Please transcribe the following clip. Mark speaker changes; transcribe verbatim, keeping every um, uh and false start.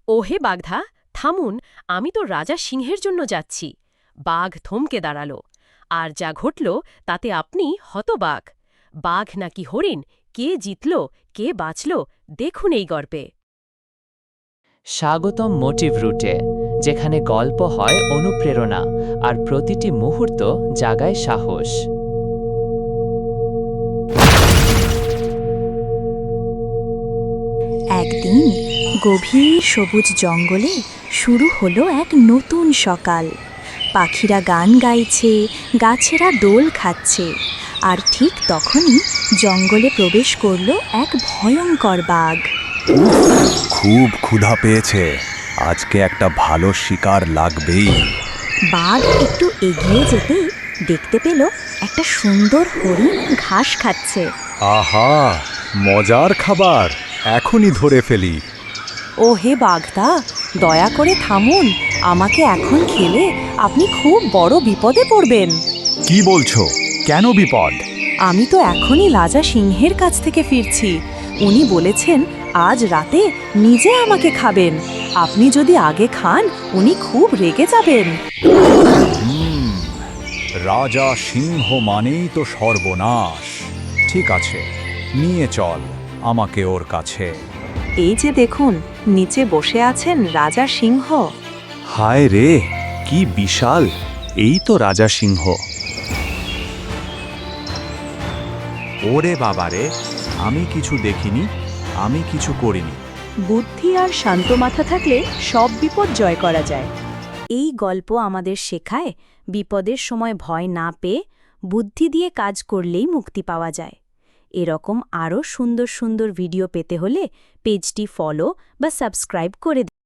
Speaker 1: ওহে বাঘধা, থামুন, আমি তো রাজা সিংহের জন্য যাচ্ছি। বাঘ থমকে দাঁড়াল। আর যা ঘটল তাতে আপনি হতবাক। বাঘ নাকি হরিণ, কে জিতল কে বাঁচল দেখুন এই গল্পে।
Speaker 2: স্বাগতম মোটিভ রুটে, যেখানে গল্প হয় অনুপ্রেরণা আর প্রতিটি মুহূর্ত জাগায় সাহস।
Speaker 3: একদিন গভীর সবুজ জঙ্গলে শুরু হলো এক নতুন সকাল। পাখিরা গান গাইছে, গাছেরা দোল খাচ্ছে, আর ঠিক তখনই জঙ্গলে প্রবেশ করলো এক ভয়ঙ্কর বাঘ।
Speaker 4: খুব ক্ষুধা পেয়েছে, আজকে একটা ভালো শিকার লাগবেই।
Speaker 3: বাঘ একটু এগিয়ে যেতেই দেখতে পেল একটা সুন্দর হরিণ ঘাস খাচ্ছে।
Speaker 4: আহা, মজার খাবার, এখনই ধরে ফেলি।
Speaker 5: ও হে বাঘদা, দয়া করে থামুন, আমাকে এখন খেলে আপনি খুব বড় বিপদে পড়বেন।
Speaker 4: কি বলছো? কেন বিপদ?
Speaker 5: আমি তো এখনই রাজা সিংহের কাছ থেকে ফিরছি। উনি বলেছেন আজ রাতে নিজে আমাকে খাবেন। আপনি যদি আগে খান উনি খুব রেগে যাবেন।
Speaker 4: হুম, রাজা সিংহ মানেই তো সর্বনাশ। ঠিক আছে, নিয়ে চল আমাকে ওর কাছে।
Speaker 5: এই যে দেখুন, নিচে বসে আছেন রাজা সিংহ।
Speaker 4: হায় রে, কি বিশাল! এই তো রাজা সিংহ। ওরে বাবারে, আমি কিছু দেখিনি, আমি কিছু করিনি।
Speaker 5: বুদ্ধি আর শান্ত মাথা থাকলে সব বিপদ জয় করা যায়।
Speaker 3: এই গল্প আমাদের শেখায় বিপদের সময় ভয় না পেয়ে বুদ্ধি দিয়ে কাজ করলেই মুক্তি পাওয়া যায়। এরকম আরও সুন্দর সুন্দর ভিডিও পেতে হলে পেজটি ফলো বা সাবস্ক্রাইব করে